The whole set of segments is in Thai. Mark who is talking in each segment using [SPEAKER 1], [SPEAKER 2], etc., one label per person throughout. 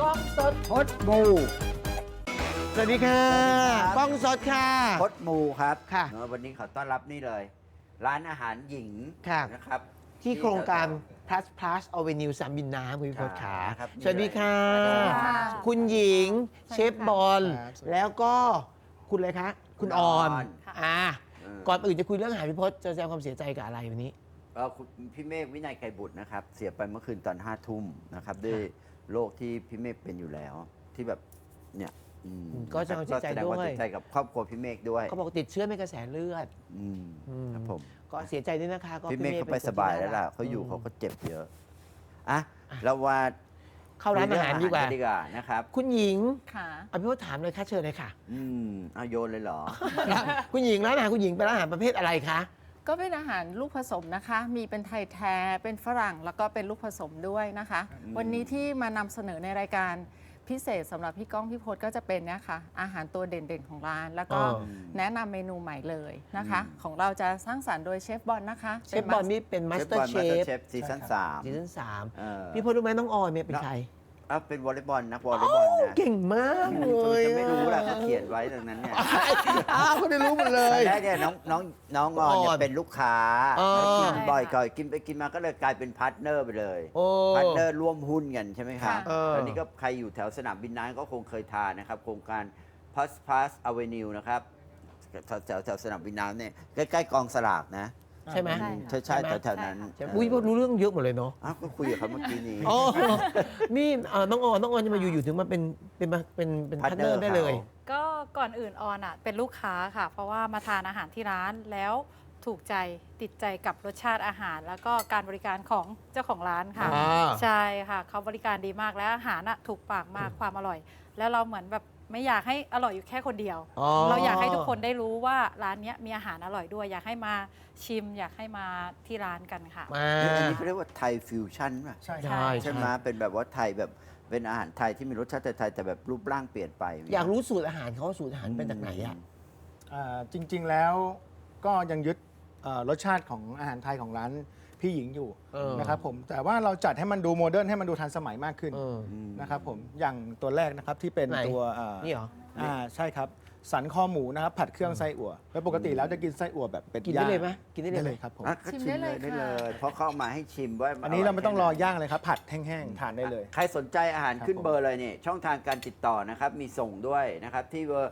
[SPEAKER 1] กล้องสดพดมูสวัสดีค่ะกล้องสดค่ะ
[SPEAKER 2] พดมูครับ
[SPEAKER 1] ค่ะ
[SPEAKER 2] วันนี้ขอต้อนรับนี่เลย ร้านอาหารหญิง
[SPEAKER 1] ค่ะ
[SPEAKER 2] นะครับ
[SPEAKER 1] ที่โครงการ plus plus avenue สามบินน้ำคุณพิพจน์ขา
[SPEAKER 2] ครับ
[SPEAKER 1] สวัสดีค่ะ
[SPEAKER 2] สวัสดีค่ะ
[SPEAKER 1] คุณหญิง เชฟบอล
[SPEAKER 3] ครับ
[SPEAKER 1] แล้วก็คุณอะไรคะ คุณออน
[SPEAKER 2] ค่ะ
[SPEAKER 1] ก่อนอื่นจะคุยเรื่องอาหารพิพจน์จะแสดงความเสียใจกับอะไรวันนี้
[SPEAKER 2] คุณพี่เมฆวินัยไกรบุตรนะครับ เสียไปเมื่อคืนตอน5 ทุ่มนะครับด้วยโรคที่พี่เมฆเป็นอยู่แล้ว ที่แบบเนี่ย
[SPEAKER 1] ก็แสดงความเสียใจ
[SPEAKER 2] แสดงความ
[SPEAKER 1] ด้วย
[SPEAKER 2] เสียใจกับครอบครัวพี่เมฆด้วย
[SPEAKER 1] เขาบอกติดเชื้อในกระแสเลือด
[SPEAKER 2] ครับผม
[SPEAKER 1] ก็เสียใจด้วยนะคะก็
[SPEAKER 2] พี่เมฆเขาไป
[SPEAKER 1] ป็นคน
[SPEAKER 2] สบายแล้วล่ะ
[SPEAKER 1] ที่
[SPEAKER 2] เขาอยู่
[SPEAKER 1] รัก
[SPEAKER 2] เขาก็เจ็บเยอะอ่ะเราว่า
[SPEAKER 1] เข้าร้านอาหารดีกว่า
[SPEAKER 2] ดีกว่านะครับ
[SPEAKER 1] คุณหญิง
[SPEAKER 4] ค่ะ
[SPEAKER 1] อภิพจน์ถามเลยค่ะเชิญเลยค่ะ
[SPEAKER 2] เอาโยนเลยเหรอ
[SPEAKER 1] คุณหญิงร้านอาหารคุณหญิงเป็นร้านอาหารประเภทอะไรคะ
[SPEAKER 4] ก็เป็นอาหารลูกผสมนะคะ มีเป็นไทยแท้ เป็นฝรั่ง แล้วก็เป็นลูกผสมด้วยนะคะ วันนี้ที่มานำเสนอในรายการพิเศษสำหรับพี่ก้องพี่พจน์ก็จะเป็นเนี่ยค่ะ อาหารตัวเด่นๆของร้าน แล้วก็
[SPEAKER 1] อ๋อ
[SPEAKER 4] แนะนำเมนูใหม่เลยนะคะ ของเราจะสร้างสรรค์โดยเชฟบอลนะคะ
[SPEAKER 1] เชฟบอลนี่เป็นมาสเตอร์เชฟ
[SPEAKER 2] ซีซั่น
[SPEAKER 1] ซีซั่น
[SPEAKER 2] 3
[SPEAKER 1] 3พี่พจน์รู้ไหมน้องออยเนี่ยเป็นใคร
[SPEAKER 2] เป็นวอลเลย์บอลนักวอลเลย์บอลนะ
[SPEAKER 1] เก่งมากเลย
[SPEAKER 2] จะไม่รู้ล่ะเขาเขียนไว้ตรงนั้นเนี่ย
[SPEAKER 1] เขาได้รู้หมดเล
[SPEAKER 2] ตอน
[SPEAKER 1] ย
[SPEAKER 2] แรกเนี่ยน้องออนเนี่ยเป็นลูกค้า
[SPEAKER 1] อ๋อ
[SPEAKER 2] แล้วกินบ่อยก่อนกินไปกินมาก็เลยกลายเป็นพาร์ทเนอร์ไปเลย
[SPEAKER 1] โอ้
[SPEAKER 2] พาร์ทเนอร์ร่วมหุ้นกันใช่ไหมครับ
[SPEAKER 1] เออ
[SPEAKER 2] ตอนนี้ก็ใครอยู่แถวสนามบินน้ำก็คงเคยทานนะครับ โครงการ Plus Avenue นะครับแถวสนามบินน้ำเนี่ยใกล้ๆกองสลากนะ
[SPEAKER 1] ใช่ไหม
[SPEAKER 2] ใช่แถวๆนั้น
[SPEAKER 1] ใช่อุ้ยพจน์รู้เรื่องเยอะหมดเลยเนาะ
[SPEAKER 2] อ้าวก็คุยกับเขาเมื่อกี้นี้
[SPEAKER 1] อ๋อนี่น้องออนจะมาอยู่ถึงมาเป็นพาร์ทเนอร์ได้เลย
[SPEAKER 5] ก็ก่อนอื่นออนอ่ะเป็นลูกค้าค่ะ เพราะว่ามาทานอาหารที่ร้านแล้วถูกใจติดใจกับรสชาติอาหาร แล้วก็การบริการของเจ้าของร้านค่ะ
[SPEAKER 1] อ่า
[SPEAKER 5] ใช่ค่ะเขาบริการดีมากแล้วอาหารอ่ะถูกปากมากความอร่อย แล้วเราเหมือนแบบไม่อยากให้อร่อยอยู่แค่คนเดียว
[SPEAKER 1] อ๋อ
[SPEAKER 5] เราอยากให้ทุกคนได้รู้ว่าร้านเนี้ยมีอาหารอร่อยด้วย อยากให้มาชิม อยากให้มาที่ร้านกันค่ะ
[SPEAKER 1] มา
[SPEAKER 2] อันนี้เขาเรียกว่าไทยฟิวชั่นป่ะ
[SPEAKER 3] ใช่
[SPEAKER 1] ใช่
[SPEAKER 2] ใช่ไหมเป็นแบบว่าไทยแบบเป็นอาหารไทยที่มีรสชาติไทยๆแต่แบบรูปร่างเปลี่ยนไป
[SPEAKER 1] อยากรู้สูตรอาหารเขาสูตรอาหารเป็นจากไหนอ่ะ
[SPEAKER 3] จริงๆแล้วก็ยังยึดรสชาติของอาหารไทยของร้านพี่หญิงอยู่
[SPEAKER 1] เออ
[SPEAKER 3] นะครับผมแต่ว่าเราจัดให้มันดูโมเดิร์นให้มันดูทันสมัยมากขึ้น
[SPEAKER 1] เออ
[SPEAKER 3] นะครับผมอย่างตัวแรกนะครับที่เป็น
[SPEAKER 1] ไหน
[SPEAKER 3] ตัว
[SPEAKER 1] นี่เหรอ
[SPEAKER 3] ใช่ครับสันคอหมูนะครับผัดเครื่องไส้อั่วโดยปกติแล้วจะกินไส้อั่วแบบเป็ด
[SPEAKER 1] กินได้
[SPEAKER 3] ย่าง
[SPEAKER 1] เลยไหมกินได้
[SPEAKER 3] ได้
[SPEAKER 1] เล
[SPEAKER 3] เลย ยครับผม
[SPEAKER 2] ก็ชิมเลยได้เลย เพราะเขาเอามาให้ชิมว่า
[SPEAKER 3] อันนี้เราไม่ต้องรอย่างเลยครับผัดแห้งๆทานได้เลย
[SPEAKER 2] ใครสนใจอาหารขึ้น
[SPEAKER 3] ครับผม
[SPEAKER 2] เบอร์เลยเนี่ยช่องทางการติดต่อนะครับ มีส่งด้วยนะครับ ที่เบอร์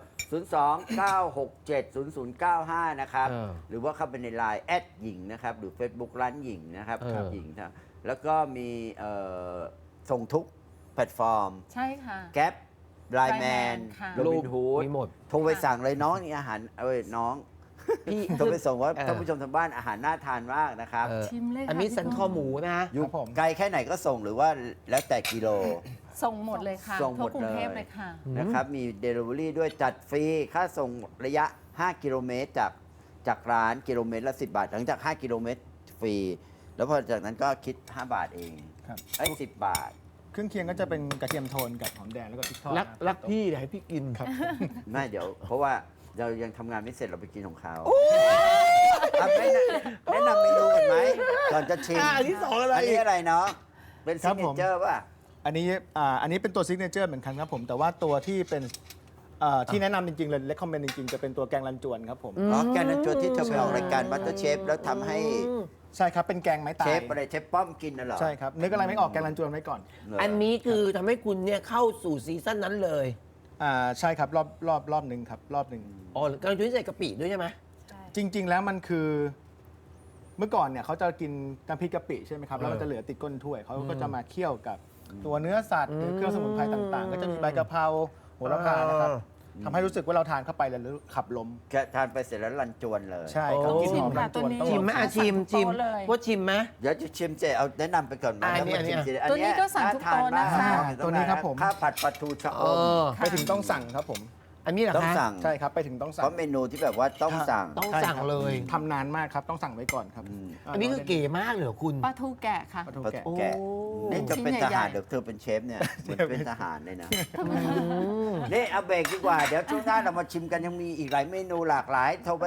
[SPEAKER 2] 029670095 นะครับ หรือว่าเข้าไปในไลน์หญิงนะครับ หรือ Facebook ร้านหญิงนะครับ
[SPEAKER 1] เออ
[SPEAKER 2] หญิงนะแล้วก็มีส่งทุกแพลตฟอร์ม
[SPEAKER 4] ใช่ค่ะ
[SPEAKER 2] แก๊ปไลน์แมน
[SPEAKER 4] ค่ะ
[SPEAKER 2] โรบินฮูด
[SPEAKER 1] มีหมด
[SPEAKER 2] โทรไปสั่งเลยน้องนี่อาหารน้อง
[SPEAKER 1] พี่
[SPEAKER 2] โทรไปส่งว่า
[SPEAKER 1] เออ
[SPEAKER 2] ท่านผู้ชมทางบ้านอาหารน่าทานมากนะครับ
[SPEAKER 4] ชิมเลยค่ะ
[SPEAKER 1] อันนี้
[SPEAKER 4] พี่
[SPEAKER 1] สัน
[SPEAKER 4] ก้อง
[SPEAKER 1] คอหมูนะ
[SPEAKER 2] อยู่
[SPEAKER 3] ครับผม
[SPEAKER 2] ไกลแค่ไหนก็ส่งหรือว่าแล้วแต่กิโล
[SPEAKER 4] ส่งหมดเลยค่ะ
[SPEAKER 2] ส่งหม
[SPEAKER 4] ทั่ว
[SPEAKER 2] ด
[SPEAKER 4] กรุงเทพ
[SPEAKER 2] เลย
[SPEAKER 4] เลยค่ะ
[SPEAKER 2] นะครับ มี Delivery ด้วยจัดฟรี ค่าส่งระยะ 5 กิโลเมตรจากร้านกิโลเมตรละ 10 บาท หลังจาก 5 กิโลเมตรฟรี แล้วพอจากนั้นก็คิด 5 บาทเอง
[SPEAKER 3] ครับ
[SPEAKER 2] 10 บาท
[SPEAKER 3] เครื่องเคียงก็จะเป็นกระเทียมโทนกับหอมแดงแล้วก็พริกทอด
[SPEAKER 1] รักพี่อยากให้พี่กิน
[SPEAKER 3] ครับ
[SPEAKER 2] ไม่เดี๋ยว เพราะว่าเรายังทำงานไม่เสร็จเราไปกินของเขาอ่ะแนะนำเมนูกันไหมก่อนจะชิม
[SPEAKER 1] อันที่สองอะไร
[SPEAKER 2] อันนี้อะไรเนาะเป็น
[SPEAKER 3] ครั
[SPEAKER 2] ซิ
[SPEAKER 3] บ
[SPEAKER 2] กเน
[SPEAKER 3] ผม
[SPEAKER 2] เจอร์ป่ะ
[SPEAKER 3] อันนี้เป็นตัวซิกเนเจอร์เหมือนกันครับผม แต่ว่าตัวที่เป็นที่แนะนำจริงๆเลยเลคคอมเมนต์จริงๆ จะเป็นตัวแกงรันจวนครับผม
[SPEAKER 2] อ๋อแกงนันจวนที่เธอไปออกรายการมัตเตอร์เชฟแล้วทำให้
[SPEAKER 3] ใช่ครับ เป็นแกงไม้ตา
[SPEAKER 2] เช
[SPEAKER 3] ย
[SPEAKER 2] ฟอะไรเชฟป้อมกินน่ะเหรอ
[SPEAKER 3] ใช่ครับ นึกอะไรไม่ออกแกงรันจวนไว้ก่อน
[SPEAKER 2] เหร
[SPEAKER 1] อันนี้คือทำให้คุณเนี่ยเข้าสู่ซีซั่นนั้นเลย
[SPEAKER 3] ใช่ครับรอบหนึ่งครับรอบหนึ่ง
[SPEAKER 1] อ๋อกำลังจะใส่กะปิด้วยใช่ไหม
[SPEAKER 5] ใช่
[SPEAKER 3] จริง ๆ แล้วมันคือเมื่อก่อนเนี่ยเขาจะกินน้ำพริกกะปิใช่ไหมครับแล้วมันจะเหลือติดก้นถ้วยเขาก็จะมาเคี่ยวกับตัวเนื้อสัตว์หรือเครื่องสมุนไพรต่างๆ ก็จะมีใบกะเพราโหระพานะครับทำให้รู้สึกว่าเราทานเข้าไปแล้วขับลม
[SPEAKER 2] แค่ทานไปเสร็จแล้วรันจวนเลย
[SPEAKER 3] ใช่ครับ
[SPEAKER 1] โอ้
[SPEAKER 3] กลินหอมรันจวนต้อง
[SPEAKER 1] ชิมไหมอ่ะชิม
[SPEAKER 4] สั่งทุกโต๊ะเลย
[SPEAKER 1] ว่าชิมไหม
[SPEAKER 2] เดี๋ยวจะชิมเจเอาแนะนำไปก่อนไหม
[SPEAKER 1] อันนี้
[SPEAKER 2] แล้วมาชิมทีละ
[SPEAKER 4] ตัวนี้ก็สั่งทุกโต๊ะนะคะ
[SPEAKER 3] ตัวนี้ครับผม
[SPEAKER 2] ข้าวผัดปลาทูชะอ
[SPEAKER 1] เอ
[SPEAKER 2] ม
[SPEAKER 1] อ
[SPEAKER 3] ไปถึงต้องสั่งครับผม
[SPEAKER 1] อันนี้เหรอ
[SPEAKER 2] ต้อง
[SPEAKER 1] คะ
[SPEAKER 2] สั่ง
[SPEAKER 3] ใช่ครับไปถึงต้องสั่
[SPEAKER 2] เพ
[SPEAKER 3] ง
[SPEAKER 2] ราะเมนูที่แบบว่าต้องสั่ง
[SPEAKER 1] ต้อง
[SPEAKER 3] ใช่
[SPEAKER 1] สั่ง
[SPEAKER 3] ครับ
[SPEAKER 1] เลย
[SPEAKER 3] ทำนานมากครับต้องสั่งไว้ก่อนครับ
[SPEAKER 1] อันนี้คือเก๋มากเลยเหรอคุณ
[SPEAKER 4] ปลาทูแกะค่ะ
[SPEAKER 3] ปลาทูแกะ
[SPEAKER 1] โอ้
[SPEAKER 2] แกะนี่จะเป็น
[SPEAKER 4] ชิ้น
[SPEAKER 2] ท
[SPEAKER 4] ใหญ่ๆ
[SPEAKER 2] หารเดี๋ยวเธอเป็นเชฟเนี่ยเหมือนเป็นทหารเลยนะนี่เอาเบรกดีกว่า เดี๋ยวช่วงหน้าเรามาชิมกันยังมีอีกหลายเมนูหลากหลาย โทรไป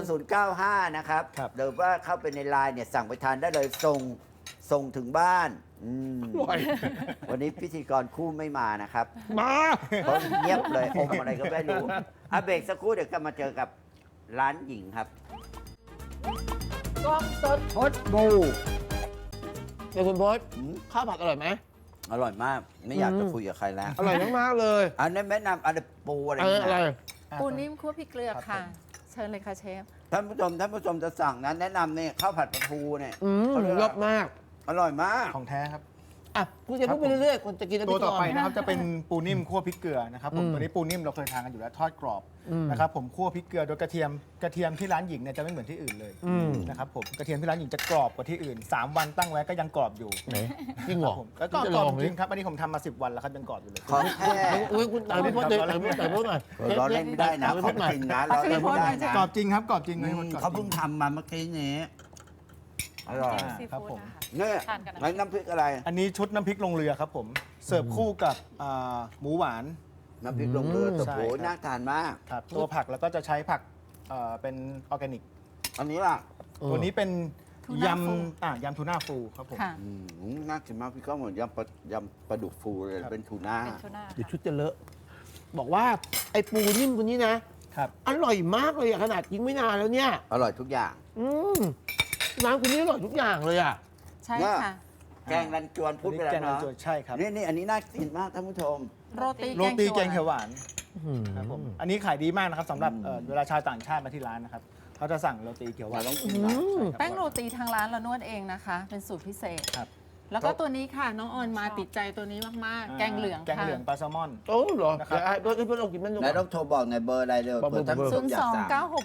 [SPEAKER 2] 029670095 นะครับ
[SPEAKER 3] ครับ
[SPEAKER 2] หรือว่าเข้าไปในไลน์เนี่ยสั่งไปทานได้เลยส่งถึงบ้านม
[SPEAKER 1] อร่อย
[SPEAKER 2] วันนี้พิธีกรคู่ไม่มานะครับ
[SPEAKER 1] มา
[SPEAKER 2] เขาเงียบเลยอมอะไรก็ไม่รู้อ่ะเบรกสักครู่เดี๋ยวกลับมาเจอกับร้านหญิงครับ
[SPEAKER 1] กล้องสดพดบูเดี๋ยวคุณพศข้าวผัดอร่อยไหม
[SPEAKER 2] อร่อยมาก ไม่อยากจะคุยกับใครแล้ว
[SPEAKER 1] อร่อยมากๆเลย
[SPEAKER 2] อันนี้แนะนำอะไรปูอะไร
[SPEAKER 1] อะไร
[SPEAKER 2] เนี่ย
[SPEAKER 4] ปูนิ่มคั่วพริกเกลือค่ะ เชิญเลยค่ะเชฟ
[SPEAKER 2] ท่านผู้ชมจะสั่งนะแนะนำเนี่ยข้าวผัดปลาทูเนี่ย เขาเรียก
[SPEAKER 1] ร
[SPEAKER 2] ว่า
[SPEAKER 1] สมาก
[SPEAKER 2] อร่อยมาก
[SPEAKER 3] ของแท้ครับ
[SPEAKER 1] อ่ะคุณจะพูดไปเรื่อยๆคนจะกินแล้ว
[SPEAKER 3] ตัว
[SPEAKER 1] พี่
[SPEAKER 3] ต่อไป
[SPEAKER 1] กรณ์
[SPEAKER 3] นะครับจะเป็นปูนิ่มคั่วพริกเกลือนะครับผม
[SPEAKER 1] อืม
[SPEAKER 3] ตัวนี้ปูนิ่มเราเคยทานกันอยู่แล้วทอดกรอบ
[SPEAKER 1] อืม
[SPEAKER 3] นะครับผมคั่วพริกเกลือโดยกระเทียมที่ร้านหญิงเนี่ยจะไม่เหมือนที่อื่นเลย
[SPEAKER 1] อืม
[SPEAKER 3] นะครับผมกระเทียมที่ร้านหญิงจะกรอบกว่าที่อื่น 3 วันตั้งไว้ก็ยังกรอบอยู่
[SPEAKER 1] ไหนจริงเหรอ
[SPEAKER 3] ผมแล้วก็
[SPEAKER 1] จะ
[SPEAKER 3] กร
[SPEAKER 1] ล
[SPEAKER 3] อ
[SPEAKER 1] อบ ง
[SPEAKER 3] จ
[SPEAKER 1] ดิ
[SPEAKER 3] ริงครับอันนี้ผมทำมา 10 วันแล้วครับยังกรอบอยู่เลย
[SPEAKER 2] ของแท้
[SPEAKER 1] อุ้ยคุณต่างพี่พศเลยต่างพี่พศหน่อย
[SPEAKER 2] ร้อนเล่นไม่ได้นะ
[SPEAKER 1] ต่างพี่
[SPEAKER 2] ข
[SPEAKER 1] พ
[SPEAKER 2] อง
[SPEAKER 1] ศหน่อย
[SPEAKER 2] จริงนะร้อนเล่นไม่ได้นะ
[SPEAKER 3] กรอบจริงครับกรอบจริงเลยหมดกรอบจริง
[SPEAKER 2] เขาเพิ่งทำมาเมื่อกี้นี้อร่อย
[SPEAKER 5] ซี
[SPEAKER 3] ครับ
[SPEAKER 5] ฟู้ด
[SPEAKER 3] ผม
[SPEAKER 5] นะคะ
[SPEAKER 2] เนี่ย
[SPEAKER 5] ทานกันนะ
[SPEAKER 2] แล้วน้ำพริกอะไร
[SPEAKER 3] อันนี้ชุดน้ำพริกลงเรือครับผมเสิร์ฟคู่กับหมูหวาน
[SPEAKER 2] น้ำพริกลงเรือแต่
[SPEAKER 3] ใช่
[SPEAKER 2] โห
[SPEAKER 3] ครับ
[SPEAKER 2] น่าทานมาก
[SPEAKER 3] ครับตัวผักแล้วก็จะใช้ผักเป็นออร์แกนิก
[SPEAKER 2] อันนี้ล่ะ
[SPEAKER 3] ตัวนี้เป็น
[SPEAKER 4] ทูน่าฟู
[SPEAKER 3] ยำทูน่าฟูครับผม
[SPEAKER 4] ค่ะ
[SPEAKER 2] น่ากินมากพี่ก้องเหมือนยำปลาดุกฟูเลย
[SPEAKER 3] ครับ
[SPEAKER 2] เป็นทูน่า
[SPEAKER 5] เป็นทูน่า
[SPEAKER 1] เดี๋ยวชุดจะเลอะบอกว่าไอ้ปูนิ่มคนนี้นะครับ อร่อยมากเลยอะขนาดยิงไม่นานแล้วเนี่ย
[SPEAKER 2] อร่อยทุกอย่าง
[SPEAKER 1] อืมร้านคุณนี่อร่อยทุกอย่างเลยอ่ะ
[SPEAKER 4] ใช่ค่ะ
[SPEAKER 2] แกงรันจวนพูดไปแล้ว
[SPEAKER 3] แกงรัน
[SPEAKER 2] เนาะ
[SPEAKER 3] จวนใช่ครับ
[SPEAKER 2] นี่อันนี้น่ากินมากท่านผู้ชม
[SPEAKER 4] โรตี
[SPEAKER 3] โรตีแกงเขียวหวาน
[SPEAKER 1] อืม
[SPEAKER 3] ครับผมอันนี้ขายดีมากนะครับสำหรับเวลาชาวต่างชาติมาที่ร้านนะครับเขาจะสั่งโรตีเขียวหวาน
[SPEAKER 2] เราต้องกินบ้าง
[SPEAKER 3] ใช่ครับ
[SPEAKER 4] แป้งโรตีทางร้านเรานวดเองนะคะ เป็นสูตรพิเศษ
[SPEAKER 3] ครับ
[SPEAKER 4] แล้วก็ตัวนี้ค่ะ น้องออนมาติดใจตัวนี้มากๆ แกงเหลือง
[SPEAKER 3] แกง
[SPEAKER 4] ค่ะ
[SPEAKER 3] เหลืองปลาแซลมอน
[SPEAKER 1] โอ้เหรอ
[SPEAKER 3] นะครับ
[SPEAKER 1] เดี๋ยวไอ้เพื่อนเรากินมันดู
[SPEAKER 2] ไหนต้องโทรบอกในอยเบอร์อะไรเลย
[SPEAKER 1] บอก
[SPEAKER 2] เผื่อท่านผู้ชมอยากสั่ง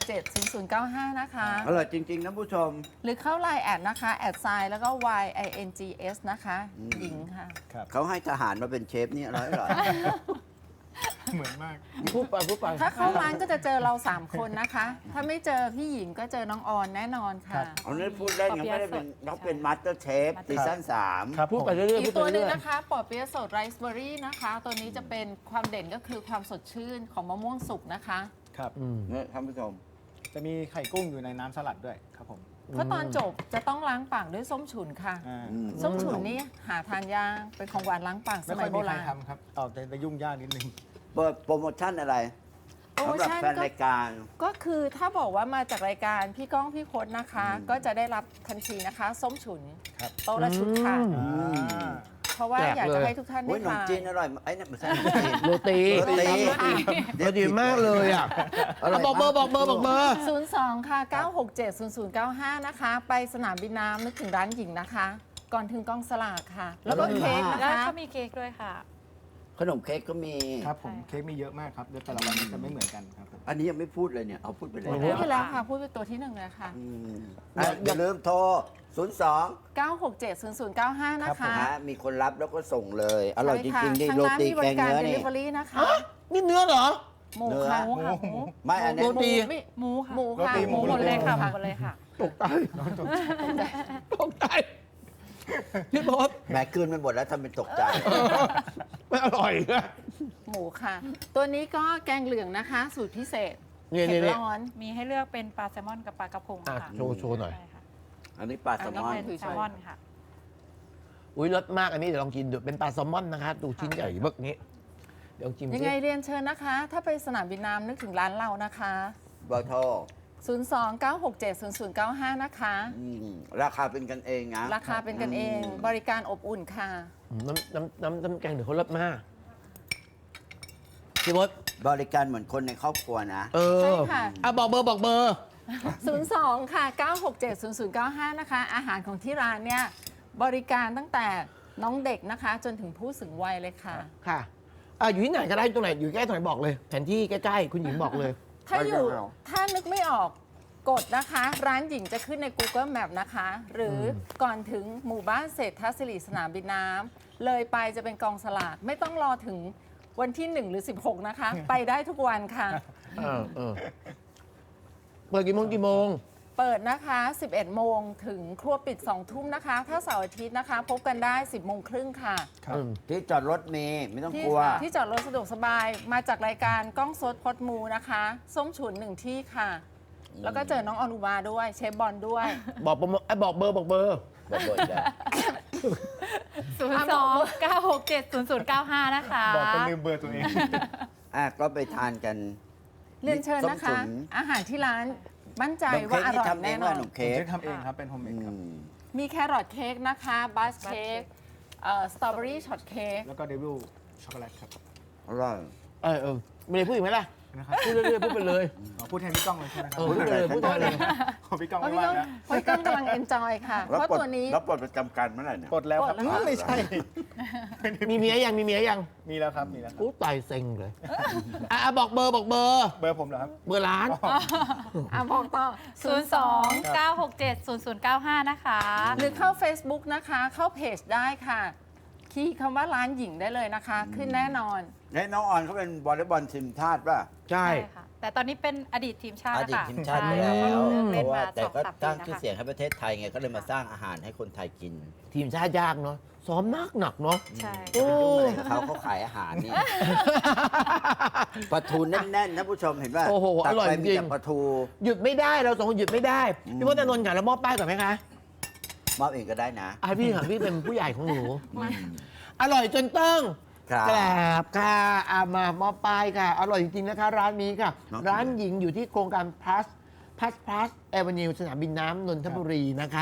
[SPEAKER 4] 029670095 นะคะ
[SPEAKER 2] อร่อยจริงๆนะผู้ชม
[SPEAKER 4] หรือเข้าไลน์แอดนะคะ แอดไซน์แล้วก็ YINGS นะคะ หญิงค่ะ
[SPEAKER 3] ครับ
[SPEAKER 2] เขาให้ทหารมาเป็นเชฟนี่อร่อย
[SPEAKER 3] เหมือนมาก
[SPEAKER 1] พูดไป
[SPEAKER 4] ถ้าเข้าร้านก็จะเจอเรา 3 คนนะคะ ถ้าไม่เจอพี่หญิงก็เจอน้องออนแน่นอน
[SPEAKER 3] ครั
[SPEAKER 4] ค่ะ
[SPEAKER 3] บ
[SPEAKER 2] เอาเนี้พูดเล่นเขาไม่ได้เป็นเขาเป็นมาสเตอร์เชฟซีซั่น3
[SPEAKER 3] ครับ
[SPEAKER 1] พูดไป
[SPEAKER 3] ผม
[SPEAKER 1] เรื่อยๆ
[SPEAKER 4] อี
[SPEAKER 1] พู
[SPEAKER 4] ก
[SPEAKER 1] ดไป
[SPEAKER 4] ตัวหนึ่
[SPEAKER 1] เรื่
[SPEAKER 4] ง
[SPEAKER 1] อย
[SPEAKER 4] นะคะปอเปี๊ยะสดไรซ์เบอร์รี่นะคะ ตัวนี้จะเป็นความเด่นก็คือความสดชื่นของมะม่วงสุกนะคะ
[SPEAKER 3] ครับ
[SPEAKER 1] ๆอืม
[SPEAKER 2] เนี่ยท่านผู้ชม
[SPEAKER 3] จะมีไข่กุ้งอยู่ในน้ำสลัดด้วยครับผม
[SPEAKER 4] เพราะตอนจบจะต้องล้างปากด้วยส้มฉุนค่ะ
[SPEAKER 3] อ่า
[SPEAKER 4] ส้มฉุนนี่หาทานยากเป็นของหวานล้างปากส
[SPEAKER 3] ไม่
[SPEAKER 4] มั
[SPEAKER 3] ค่อย ย
[SPEAKER 4] โบ
[SPEAKER 3] มีใคร
[SPEAKER 4] ราณ
[SPEAKER 3] ทำครับแต่ยุ่งยากนิดนึง
[SPEAKER 2] เปิดโปรโมชั่นอะไร
[SPEAKER 4] โปรโม
[SPEAKER 2] สำหรับ
[SPEAKER 4] ชั่น
[SPEAKER 2] แฟน
[SPEAKER 4] ก็
[SPEAKER 2] รายการ
[SPEAKER 4] ก็คือถ้าบอกว่ามาจากรายการพี่ก้องพี่พจน์นะคะ ก็จะได้รับทันทีนะคะ ส้มฉุน
[SPEAKER 3] ครับ
[SPEAKER 4] โต๊ะละชุดค่ะ
[SPEAKER 1] อื
[SPEAKER 3] อ่า
[SPEAKER 4] เพราะว่าอยากจะให้ทุกท่าน
[SPEAKER 2] โอ้
[SPEAKER 4] ได้
[SPEAKER 2] ยขนม
[SPEAKER 4] ทาน
[SPEAKER 2] จีนอร่อยไอ้นั่นไม่ใช่ขนมจีน
[SPEAKER 1] โรตี
[SPEAKER 2] โรตี
[SPEAKER 1] โรตีมากเลยอ่ะ
[SPEAKER 2] อร่อย
[SPEAKER 1] บอกเบอร์
[SPEAKER 2] มาก
[SPEAKER 1] บอกเบอร์
[SPEAKER 4] 02 ค่ะ 967 0095 นะคะ ไปสนามบินน้ำนึกถึงร้านหญิงนะคะ ก่อนถึงกองสลากค่ะ แล้วก็เค้กนะ
[SPEAKER 5] แล้ว
[SPEAKER 4] คะ
[SPEAKER 5] ก็มีเค้กด้วยค่ะ
[SPEAKER 2] ขนมเค้กก็มี
[SPEAKER 3] ครับผมเค้กมีเยอะมากครับเดี๋ยวแต่ละวันจะไม่เหมือนกันครับผม
[SPEAKER 2] อันนี้ยังไม่พูดเลยเนี่ย เอาพูดไปเลย
[SPEAKER 4] พูดไปแล้วค่ะ พูดไปตัวที่หนึ่งเลยค่ะ
[SPEAKER 2] อย่าลืมโทร 02
[SPEAKER 4] 967 0095 นะคะ
[SPEAKER 2] มีคนรับแล้วก็ส่งเลย อร่อยจ
[SPEAKER 4] ใช่
[SPEAKER 2] ริงๆดิ
[SPEAKER 4] ค่ะ
[SPEAKER 2] โร
[SPEAKER 4] ทางร้าน
[SPEAKER 2] ตี
[SPEAKER 4] มีบ
[SPEAKER 2] แก
[SPEAKER 4] ริ
[SPEAKER 2] ง
[SPEAKER 4] การ
[SPEAKER 2] เนื้อนี่
[SPEAKER 4] Delivery นะคะ
[SPEAKER 1] นี่เนื้อเหรอ
[SPEAKER 4] หมูค่ะ
[SPEAKER 2] เนื้อ
[SPEAKER 5] หมูค่ะหมู
[SPEAKER 2] ไม่อันนี้
[SPEAKER 1] โรตี
[SPEAKER 4] ไม่
[SPEAKER 5] หมูค่ะ
[SPEAKER 4] หมูค่ะ
[SPEAKER 5] หมูหมดเลยค่ะหมูหมดเลยค่ะ
[SPEAKER 1] ตกใจตกใจพี่พศ
[SPEAKER 2] แหมคืนมันหมดแล้วทำเป็นตกใจ
[SPEAKER 1] ไม่อร่อยอะ
[SPEAKER 4] หมูค่ะ ตัวนี้ก็แกงเหลืองนะคะ สูตรพิเศษ
[SPEAKER 1] นี่
[SPEAKER 4] เผ็ด
[SPEAKER 1] นี่
[SPEAKER 4] ร้อน
[SPEAKER 5] มีให้เลือกเป็นปลาแซลมอนกับปลากระพง
[SPEAKER 1] อ่ะ
[SPEAKER 5] ค่ะ
[SPEAKER 1] โชว์หน่อย
[SPEAKER 5] ใช่ค่ะ
[SPEAKER 2] อันนี้ปลาแซลมอน
[SPEAKER 5] อันนี้เป็นแซลมอนค่ะ
[SPEAKER 1] อุ้ยรสมากอันนี้เดี๋ยวลองกินดูเป็นปลาแซลมอนนะคะดูชิ้นใหญ่เบิกนี้ เดี๋ยวลองชิม
[SPEAKER 4] ยัง
[SPEAKER 1] สิ
[SPEAKER 4] ไงเรียนเชิญนะคะ ถ้าไปสนามบินน้ำนึกถึงร้านเรานะคะ
[SPEAKER 2] เบอร์โทร
[SPEAKER 4] 029670095 นะคะ
[SPEAKER 2] ราคาเป็นกันเองนะ
[SPEAKER 4] ราคาเป็นกันเอง บริการอบอุ่นค่ะ
[SPEAKER 1] น้ำแกงเดี๋ยวเขารสมากพี่พศ
[SPEAKER 2] บริการเหมือนคนในครอบครัวนะ
[SPEAKER 1] เออ
[SPEAKER 4] ใช่ค่ะ
[SPEAKER 1] อ่ะบอกเบอร์
[SPEAKER 4] 02 ค่ะ 9670095 นะคะ อาหารของที่ร้านเนี่ย บริการตั้งแต่น้องเด็กนะคะ จนถึงผู้สูงวัยเลยค่ะ
[SPEAKER 1] ค่ะอยู่ที่ไหนก็ได้ตรงไหนอยู่ใกล้ตรงไหนบอกเลยแผนที่ใกล้ๆคุณหญิงบอกเลย
[SPEAKER 4] ถ้าอยู่
[SPEAKER 2] ไม่เอา
[SPEAKER 4] ถ้านึกไม่ออกกดนะคะ ร้านหญิงจะขึ้นใน Google Map นะคะ หรือก่อนถึงหมู่บ้านเศรษฐศิริสนามบินน้ำเลยไปจะเป็นกองสลากไม่ต้องรอถึงวันที่ 1 หรือ 16 นะคะ ไปได้ทุกวันค่ะ
[SPEAKER 1] เปิดกี่โมง
[SPEAKER 4] เปิดนะคะ 11 โมงถึงครัวปิด 2 ทุ่มนะคะ ถ้าเสาร์อาทิตย์นะคะ พบกันได้ 10 โมงครึ่งค่ะ
[SPEAKER 3] ครับ
[SPEAKER 2] ที่จอดรถมีไม่ต้อง
[SPEAKER 4] ที่
[SPEAKER 2] กลัว
[SPEAKER 4] ที่จอดรถสะดวกสบายมาจากรายการกล้องสดพดมูนะคะ ส้มฉุน1ที่ค่ะ แล้วก็เจอน้องอนุมาด้วยเชฟบอลด้วย
[SPEAKER 1] บอกเบอร์
[SPEAKER 2] บอกเบอร์ได้
[SPEAKER 5] 02-967-0095 นะคะ
[SPEAKER 3] บอกเป็นลืมเบอร์ตัวเอง
[SPEAKER 2] ก็ไปทานกัน
[SPEAKER 4] เรียนเชิญนะคะ
[SPEAKER 2] ส้มฉุน
[SPEAKER 4] อาหารที่ร้านมั่นใจ
[SPEAKER 2] ขนม
[SPEAKER 4] ว่า
[SPEAKER 2] เค้ก
[SPEAKER 4] อร่
[SPEAKER 2] ที่
[SPEAKER 4] อย
[SPEAKER 2] ทำเอ
[SPEAKER 4] แน่
[SPEAKER 2] ง
[SPEAKER 4] นอ
[SPEAKER 2] ว่าน ขนม
[SPEAKER 3] ผม
[SPEAKER 2] เค้ก
[SPEAKER 3] จะทำเองครับ เป็นโฮมเมดครับ
[SPEAKER 4] มีแครอทเค้กนะคะบัสเค้กสตรอเบอรี่ช็อตเค้ก
[SPEAKER 3] แล้วก็เดวิลช็อกโกแลตครับ
[SPEAKER 2] อร่อย
[SPEAKER 1] ไม่ได้พูดอีกไหมล่ะ
[SPEAKER 3] นะครับ
[SPEAKER 1] พูดเรื่อยๆพูดไปเลย
[SPEAKER 3] พูดแทนพี่ก้องเลยใช่ไหมครับ
[SPEAKER 1] พูดไปเลยพูดไปเลย
[SPEAKER 3] ของพี่ก้อง
[SPEAKER 4] เพราะ
[SPEAKER 3] ไม่
[SPEAKER 4] พี่
[SPEAKER 3] ว่า
[SPEAKER 4] ก้อง
[SPEAKER 3] นะ
[SPEAKER 4] เพราะพี่ก้องกำลังเอนจอยค่ะ เพ
[SPEAKER 2] แล้ว
[SPEAKER 4] ราะ
[SPEAKER 2] ปลด
[SPEAKER 4] ตัวนี้
[SPEAKER 2] แล้วปลดประจำการเมื่อไหร่เนี่ย
[SPEAKER 3] กดแล้วครับ
[SPEAKER 4] กดแล้ว
[SPEAKER 3] ไม่ใช่
[SPEAKER 1] มีเมียยังมีเมียยัง
[SPEAKER 3] มีแล้วครับมีแล้วครับ
[SPEAKER 1] อู้ตายเซ็งเลยบอกเบอร์
[SPEAKER 3] เบอร์ผมเหรอครับ
[SPEAKER 1] เบอร์ร้าน
[SPEAKER 4] บอกต่อ
[SPEAKER 5] 02-967-0095 นะคะ
[SPEAKER 4] หรือเข้า Facebook นะคะ เข้าเพจได้ค่ะ คีย์คำว่าร้านหญิงได้เลยนะคะ ขึ้นแน่นอน
[SPEAKER 2] แล้วน้องออนเขาเป็นวอลเลย์บอลทีมชาติป่ะ
[SPEAKER 1] ใช่
[SPEAKER 5] ใช่ค่ะ แต่ตอนนี้เป็นอดีตทีมชาติ
[SPEAKER 2] อดีต
[SPEAKER 5] ค่ะ
[SPEAKER 2] ทีมชาติไป
[SPEAKER 5] ใช่
[SPEAKER 2] แล้ว
[SPEAKER 5] เลิก
[SPEAKER 2] เพ
[SPEAKER 5] เล่น
[SPEAKER 2] ราะว่า
[SPEAKER 5] มา
[SPEAKER 2] แต่ก็
[SPEAKER 5] 2-3
[SPEAKER 2] สร้าง
[SPEAKER 5] ปี
[SPEAKER 2] ชื่อ
[SPEAKER 5] นะ
[SPEAKER 2] เสียง
[SPEAKER 5] คะ
[SPEAKER 2] ให้ประเทศไทยไงก็เลยมาสร้างอาหารให้คนไทยกิน
[SPEAKER 1] ทีมชาติยากเนาะซ้อมหนักเนาะ
[SPEAKER 5] ใช่
[SPEAKER 1] โอ้
[SPEAKER 2] เขาขายอาหารนี่ ปลาทูแน่นๆนะผู้ชมเห็นป่ะ
[SPEAKER 1] โอ้โห
[SPEAKER 2] ตัก
[SPEAKER 1] อร่อย
[SPEAKER 2] ไป
[SPEAKER 1] จ
[SPEAKER 2] มี
[SPEAKER 1] ริง
[SPEAKER 2] แต่ปลาทู
[SPEAKER 1] หยุดไม่ได้เราสองคนหยุดไม่ได้พี่พจน์อานนท์ค่ะเรามอบป้ายก่อนไหมคะ
[SPEAKER 2] มอบเองก็ได้นะ
[SPEAKER 1] พี่ค่ะพี่เป็นผู้ใหญ่ของหนูอร่อยจนต้อง
[SPEAKER 2] ครับ
[SPEAKER 1] กราบค่ะมามอบป้ายค่ะ อร่อยจริงๆนะคะ ร้านนี้ค่ะ
[SPEAKER 2] น้อง
[SPEAKER 1] ร้านหญิงอยู่ที่โครงการ plus Avenue สนามบินน้ำนนทบุรีนะคะ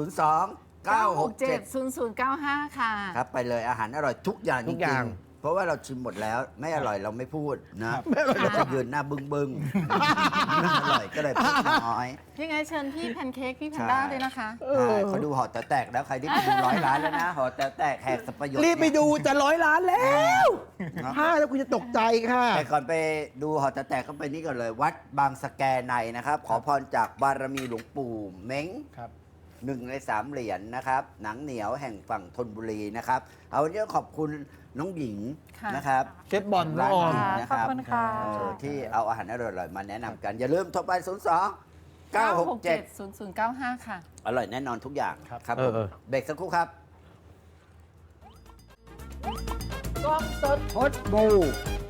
[SPEAKER 2] 02-967
[SPEAKER 4] ค่ะ
[SPEAKER 2] ครับไปเลยอาหารอร่อยทุกอย่าง
[SPEAKER 1] ทุ
[SPEAKER 2] จ
[SPEAKER 1] กอ
[SPEAKER 2] ริ
[SPEAKER 1] ย่าง
[SPEAKER 2] งๆเพราะว่าเราชิมหมดแล้วไม่อร่อยเราไม่พูดนะเราจะยืนหน้าบึ้งๆไม่อร่อยก็เลยพูดน้อย
[SPEAKER 4] ยังไงเชิญพี่แพนเค้กพี่แพนด้าด้วยนะคะ
[SPEAKER 2] ใช่เขาดูหอแต๋วแตกแล้วใครที่ไปดู100 ล้านแล้วนะหอแต๋วแตกแหกสับประโยชน์
[SPEAKER 1] รีบไปดูจะ100 ล้านแล้วถ้าแล้วคุณจะตกใจค่ะ
[SPEAKER 2] แต่ก่อนไปดูหอแต๋วแตกก็ไปนี่ก่อนเลย วัดบางสะแกในนะครับ ขอพรจากบารมีหลวงปู่เม้ง
[SPEAKER 3] ครับ
[SPEAKER 2] 1 ใน 3 เหรียญนะครับ หนังเหนียวแห่งฝั่งธนบุรีนะครับ เอาวันนี้ขอบคุณน้องหญิง
[SPEAKER 4] ค่ะ
[SPEAKER 2] นะครับ
[SPEAKER 1] เชฟบอลน้
[SPEAKER 2] ร้า
[SPEAKER 1] อน งออ
[SPEAKER 2] ห
[SPEAKER 1] ม
[SPEAKER 2] ญิงนะ
[SPEAKER 5] ข
[SPEAKER 2] ค
[SPEAKER 5] อบ
[SPEAKER 2] รับ
[SPEAKER 5] คุณค่ะ
[SPEAKER 2] ที่เอาอาหารอร่อยๆมาแนะนำกัน อย่าลืมโทรไป 02 967
[SPEAKER 4] 0095 ค่ะ
[SPEAKER 2] อร่อยแน่นอนทุกอย่าง
[SPEAKER 3] ครับ
[SPEAKER 2] ครับผม เบรกสักครู่ครับ
[SPEAKER 1] กล้องสดพดบู